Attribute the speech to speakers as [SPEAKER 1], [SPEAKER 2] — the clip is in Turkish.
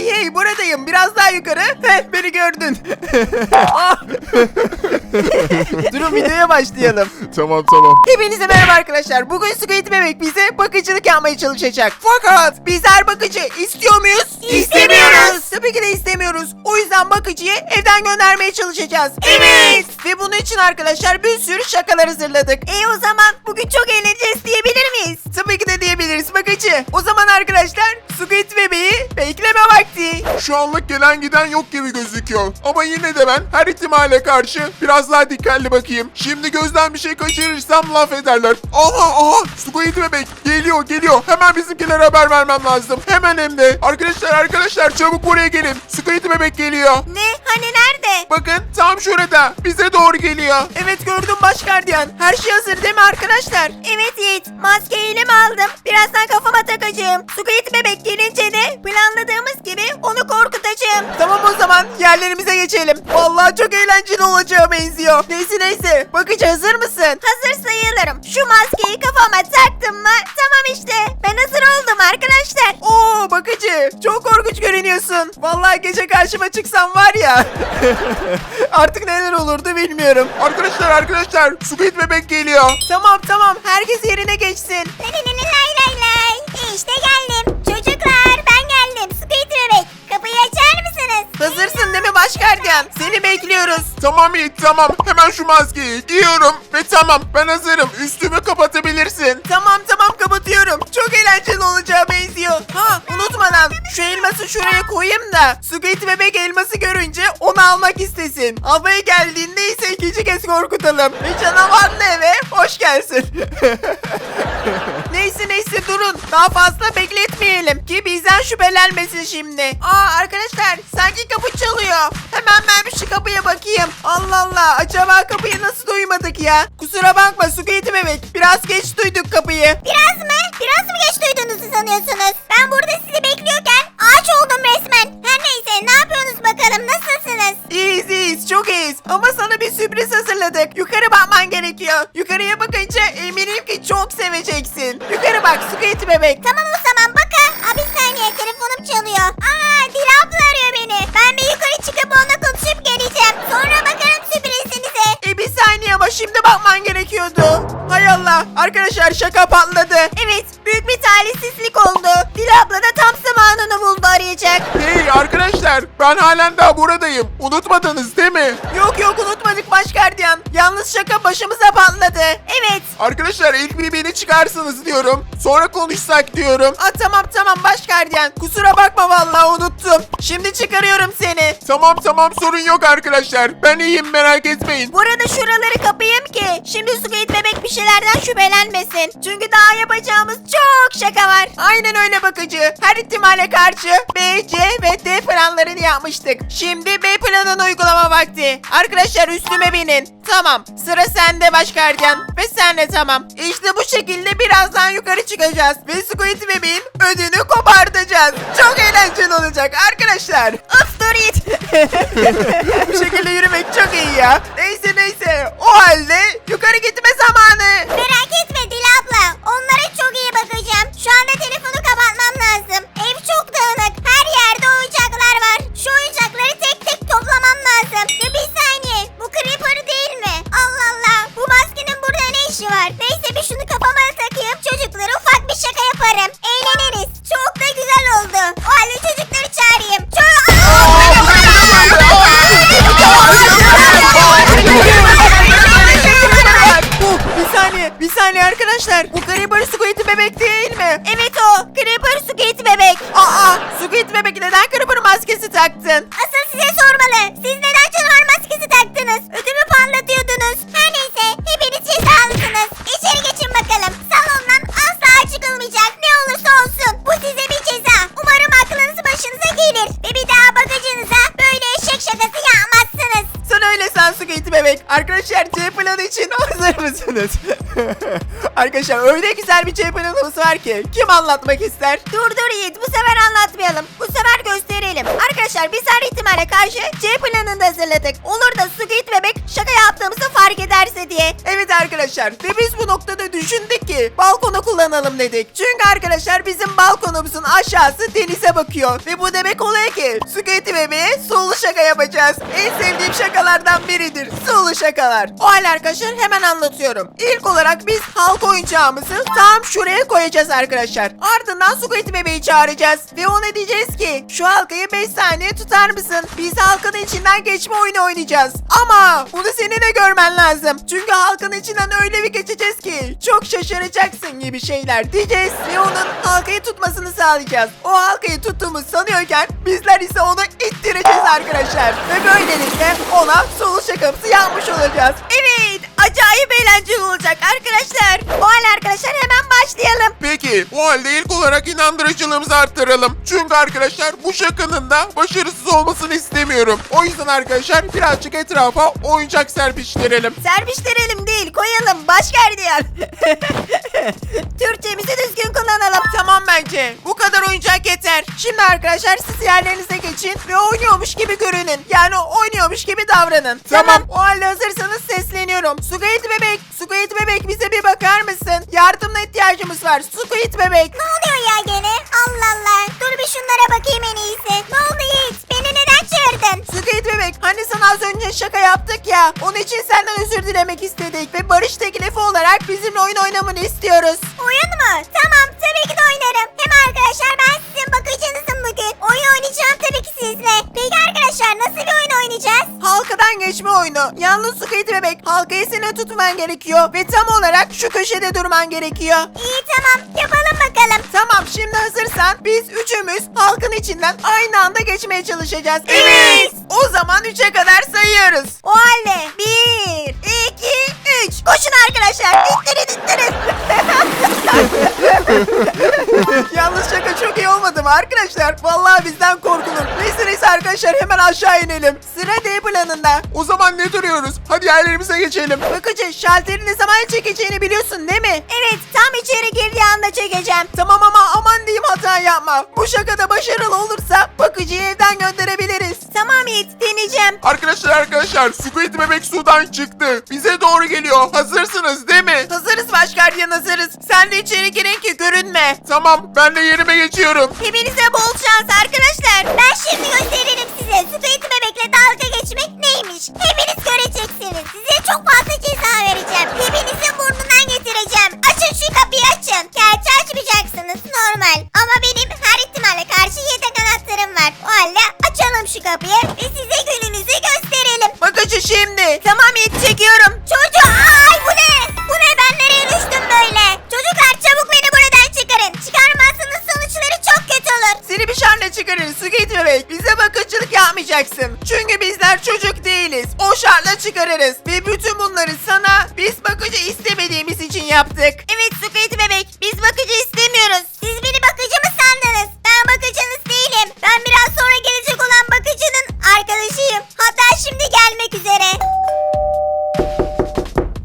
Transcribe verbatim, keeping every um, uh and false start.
[SPEAKER 1] Hey hey, buradayım. Biraz daha yukarı. Heh, beni gördün. Ah! Durun, videoya başlayalım.
[SPEAKER 2] Tamam tamam.
[SPEAKER 1] Hepinize merhaba arkadaşlar. Bugün Squid Bebek bize bakıcılık yapmaya çalışacak. Fakat bizler bakıcı istiyor muyuz?
[SPEAKER 3] İstemiyoruz.
[SPEAKER 1] Tabii ki de istemiyoruz. O yüzden bakıcıyı evden göndermeye çalışacağız.
[SPEAKER 3] Evet.
[SPEAKER 1] Ve bunun için arkadaşlar bir sürü şakalar hazırladık.
[SPEAKER 3] E o zaman bugün çok eğleneceğiz diyebilir miyiz?
[SPEAKER 1] Tabii ki de diyebiliriz bakıcı. O zaman arkadaşlar Squid Bebek'i bekleme vakti.
[SPEAKER 2] Şu anlık gelen giden yok gibi gözüküyor. Ama yine de ben her ihtimale karşı biraz daha dikkatli bakayım. Şimdi gözden bir şey kaçırırsam laf ederler. Aha aha Squid Bebek geliyor geliyor. Hemen bizimkilere haber vermem lazım. Hemen hem de. Arkadaşlar arkadaşlar çabuk buraya gelin. Squid Bebek geliyor.
[SPEAKER 3] Ne? Hani nerede?
[SPEAKER 2] Bakın tam şurada. Bize doğru geliyor.
[SPEAKER 1] Evet, gördüm baş gardiyan. Her şey hazır değil mi arkadaşlar?
[SPEAKER 3] Evet Yiğit. Maskeyi elime aldım. Birazdan kafama takacağım. Squid Bebek gelince de planladığımız gibi onu korkutacağım.
[SPEAKER 1] Tamam, o zaman yerlerimize geçelim. Vallahi çok eğlenceli olacağı benziyor. Neyse neyse. Bakıcı hazır mısın?
[SPEAKER 3] Hazır sayılırım. Şu maskeyi kafama taktım mı? Tamam işte. Ben hazır oldum arkadaşlar.
[SPEAKER 1] Oo bakıcı, çok korkunç görünüyorsun. Vallahi gece karşıma çıksan var ya. Artık neler olurdu bilmiyorum.
[SPEAKER 2] Arkadaşlar arkadaşlar Squid Bebek geliyor.
[SPEAKER 1] Tamam tamam, herkes yerine geçsin.
[SPEAKER 3] Lay lay lay lay lay. İşte geldim. Çocuklar ben geldim. Squid Bebek. Kapıyı açar mısınız?
[SPEAKER 1] Hazırsın değil mi baş gardiyan? Seni bekliyoruz.
[SPEAKER 2] Tamam Yiğit tamam. Hemen şu maskeyi giyiyorum. Ve tamam ben hazırım. Üstümü kapatabilirsin.
[SPEAKER 1] Tamam tamam, kapatıyorum. Çok eğlenceli olacağı benziyor. Ha, unutmadan şu elması şuraya koyayım da Squid Bebek elması görünce onu almak istesin. Almaya geldiğinde ise ikinci kez korkutalım. Ve canavarlı eve hoş gelsin. Neyse neyse, durun. Daha fazla bekletmeyelim ki bizden şüphelenmesin şimdi. Aa arkadaşlar, sanki kapı çalıyor. Hemen ben bir şu kapıya bakayım. Allah Allah, acaba kapıyı nasıl duymadık ya? Kusura bakma Squid Bebek, biraz geç duyduk kapıyı.
[SPEAKER 3] Biraz mı? Biraz mı geç duyduğunuzu sanıyorsunuz? Ben burada sizi bekliyorken ağaç oldum resmen. Her neyse, ne yapıyorsunuz bakalım? Nasılsınız?
[SPEAKER 1] İyiyiz iyiyiz, çok iyiyiz. Ama sana bir sürpriz hazırladık. Yukarı bakman gerekiyor. Yukarıya bakınca eminim ki çok seveceksin. Yukarı bak Squid Bebek.
[SPEAKER 3] Tamam o zaman bakın. Aa, bir saniye, telefonum çalıyor. Aa, Dila abla arıyor beni. Ben bir yukarı çıkıp onunla konuşup geleceğim. Sonra bakarım sürprizinize.
[SPEAKER 1] E bir saniye, ama şimdi bakman gerekiyordu. Hay Allah, arkadaşlar şaka patladı.
[SPEAKER 3] Evet, büyük bir talihsizlik oldu. Dila abla da tam zamanını buldu arayacak.
[SPEAKER 2] Hey arkadaşlar ben halen daha buradayım. Unutmadınız değil mi?
[SPEAKER 1] Yok yok, unutmadık baş gardiyan. Yalnız şaka başımıza patladı.
[SPEAKER 3] Evet.
[SPEAKER 2] Arkadaşlar ilk bir beni çıkarsınız diyorum. Sonra konuşsak diyorum.
[SPEAKER 1] Aa, tamam tamam baş gardiyan. Kusura bakma, vallahi unuttum. Şimdi çıkarıyorum seni.
[SPEAKER 2] Tamam tamam sorun yok arkadaşlar. Ben iyiyim merak etmeyin.
[SPEAKER 3] Burada şuraları kapayım ki şimdi Squid Bebek bir şeylerden şüphelenmesin. Çünkü daha yapacağımız çok şaka var.
[SPEAKER 1] Aynen öyle bakıcı. Her ihtimale karşı B, C ve D planlarını yapmıştık. Şimdi B planını uygulama vakti. Arkadaşlar üstüme binin. Tamam, sıra sende baş gardiyan. Ve sen de tamam. İşte bu şekilde birazdan yukarı çıkacağız. Ve Squid Bebek'in ödünü kopartacağız. Çok eğlenceli olacak arkadaşlar.
[SPEAKER 3] Of dur Yiğit.
[SPEAKER 1] Bu şekilde yürümek çok iyi ya. Neyse neyse. O halde yukarı gitme zamanı.
[SPEAKER 3] Merak etme Dila abla. Onlara çok iyi bakacağım. Şu anda telefonu kapatmam lazım. Ev çok dağınık. Her yerde oyuncaklar var. Şu oyuncakları tek tek toplamam lazım. Ya bir saniye. Bu Creeper değil mi? Allah Allah. Bu maskenin burada ne işi var? Neyse bir şunu kafama takayım. Çocuklara ufak bir şaka yaparım. Eğleniriz. Çok da güzel oldu. O halde çocukları çağırayım. Çok...
[SPEAKER 1] Oh, bir saniye, bir saniye arkadaşlar. Bu Creeper Squid Bebek değil mi?
[SPEAKER 3] Evet o. Creeper Squid Bebek.
[SPEAKER 1] Aa, Squid Bebek neden Creeper maskesi taktın?
[SPEAKER 3] Asıl size sormalı. Siz neden canavar maskesi taktınız? Ödümü parlatıyordunuz. Her neyse hepiniz cezalısınız. İçeri geçin bakalım. Salondan asla çıkılmayacak. Ne olursa olsun. Bu size bir ceza. Umarım aklınız başınıza gelir. Ve bir daha bagajınıza böyle eşek şakası yapmazsınız.
[SPEAKER 1] Sen öyle san Squid Bebek. Arkadaşlar C planı için hazır mısınız? Arkadaşlar öyle güzel bir C planımız var ki. Kim anlatmak ister?
[SPEAKER 3] Dur dur Yiğit, bu sefer anlatmayalım. Bu sefer gösterelim. Arkadaşlar biz her ihtimale karşı C planını da hazırladık. Olur da Squid Bebek şaka yaptığımızı fark ederse diye.
[SPEAKER 1] Evet arkadaşlar ve biz bu noktada düşündük ki balkonu kullanalım dedik. Çünkü arkadaşlar bizim balkonumuzun aşağısı denize bakıyor ve bu demek oluyor ki Squid bebeğe sulu şaka yapacağız. En sevdiğim şakalardan biridir sulu şakalar. O halde arkadaşlar hemen anlatıyorum. İlk olarak biz halka oyuncağımızı tam şuraya koyacağız arkadaşlar. Ardından Squid bebeği çağıracağız ve ona diyeceğiz ki şu halkayı beş saniye tutar mısın? Biz halkanın içinden geçme oyunu oynayacağız. Ama bunu senin de görmen lazım. Çünkü halkanın içinden öyle bir geçeceğiz ki çok şaşıracaksın gibi şeyler diyeceğiz ve onun halkayı tutmasını sağlayacağız. O halkayı tuttuğumuz sanıyorken bizler ise onu ittireceğiz arkadaşlar. Ve böylelikle ona sulu şakamızı yapmış olacağız. Evet, acayip eğlenceli olacak arkadaşlar. O halde arkadaşlar hemen başlayalım.
[SPEAKER 2] Peki o halde ilk olarak inandırıcılığımızı arttıralım. Çünkü arkadaşlar bu şakanın da başarısız olmasını istemiyorum. O yüzden arkadaşlar birazcık etrafa oyuncak serpiştirelim.
[SPEAKER 1] Serpiştirelim değil, koyalım baş gardiyan. Türkçemizi düzgün kullanalım. Tamam bence. Bu kadar oyuncak yeter. Şimdi arkadaşlar siz yerlerinize geçin ve oynuyormuş gibi görünün. Yani oynuyormuş gibi davranın.
[SPEAKER 2] Tamam.
[SPEAKER 1] O halde hazırsanız sesleniyorum. Squid bebek, Squid bebek bize bir bakar mısın? Yardımına ihtiyacımız var. Squid bebek.
[SPEAKER 3] Ne oluyor ya gene? Allah Allah. Dur bir şunlara bakayım en iyisi. Ne oldu Yiğit? Beni neden çağırdın?
[SPEAKER 1] Squid bebek, hani sana az önce şaka yaptık ya. Onun için senden özür dilemek istedik ve barış teklifi olarak bizimle oyun oynamanı istiyoruz.
[SPEAKER 3] Oyun mu? Tamam, tabii ki de oynarım. Hem arkadaşlar ben sizin bakıcınızım bugün. Oyun oynayacağım tabii ki sizle. Peki arkadaşlar nasıl bir oyun oynayacağız?
[SPEAKER 1] Halkadan geçme oyunu. Yalnız Squid bebek, halkayı senin tutman gerekiyor ve tam olarak şu köşede durman gerekiyor.
[SPEAKER 3] İyi tamam, yapalım bakalım.
[SPEAKER 1] Tamam, şimdi hazırsan biz üçümüz halkın içinden aynı anda geçmeye çalışacağız.
[SPEAKER 3] Evet.
[SPEAKER 1] O zaman üçe kadar sayıyoruz. O halde bir, iki, üç. Koşun arkadaşlar. İttirin ittirin. Yalnız şaka çok iyi olmadı mı arkadaşlar? Vallahi bizden korkulur. Neyse neyse arkadaşlar hemen aşağı inelim. Sıra D planında.
[SPEAKER 2] O zaman ne duruyoruz? Hadi yerlerimize geçelim.
[SPEAKER 1] Bakıcı, şalteri ne zaman çekeceğini biliyorsun değil mi? Evet, tam içeri girdiği anda çekeceğim. Tamam ama aman diyeyim hata yapma. Bu şakada başarılı olursa bakıcıyı evden gönderebiliriz. Tamam Yiğit, deneyeceğim.
[SPEAKER 2] Arkadaşlar arkadaşlar Squid bebek sudan çıktı. Bize doğru geliyor. Hazırsınız değil mi?
[SPEAKER 1] Hazırız başgardiyan, hazırız. Sen de içeri girin ki görünme.
[SPEAKER 2] Tamam, ben de yerime geçiyorum.
[SPEAKER 1] Hepinize bol şans arkadaşlar.
[SPEAKER 3] Ben şimdi gösteririm size Squid bebekle dalga geçmek neymiş. Hepiniz göreceksiniz. Size çok fazla ceza vereceğim. Hepinizin burnundan getireceğim. Açın şu kapıyı açın. Gerçi açmayacaksınız normal. Ama benim her ihtimale karşı yedek anahtarım var. O halde açalım şu kapıyı ve size gününüzü gösterelim.
[SPEAKER 1] Bakıcı şimdi. Tamam Yiğit, çekiyorum.
[SPEAKER 3] Çocuğu ay bu ne? Bu ne, ben nereye düştüm böyle? Çocuklar çabuk beni buradan çıkarın. Çıkarmazsanız sonuçları çok kötü olur.
[SPEAKER 1] Seni bir şartla çıkarırız Squid bebek. Bize bakıcılık yapmayacaksın. Çünkü bizler çocuk değiliz. O şartla çıkarırız. Ve bütün bunları sana biz bakıcı istemediğimiz için yaptık. Evet Squid bebek, biz bakıcı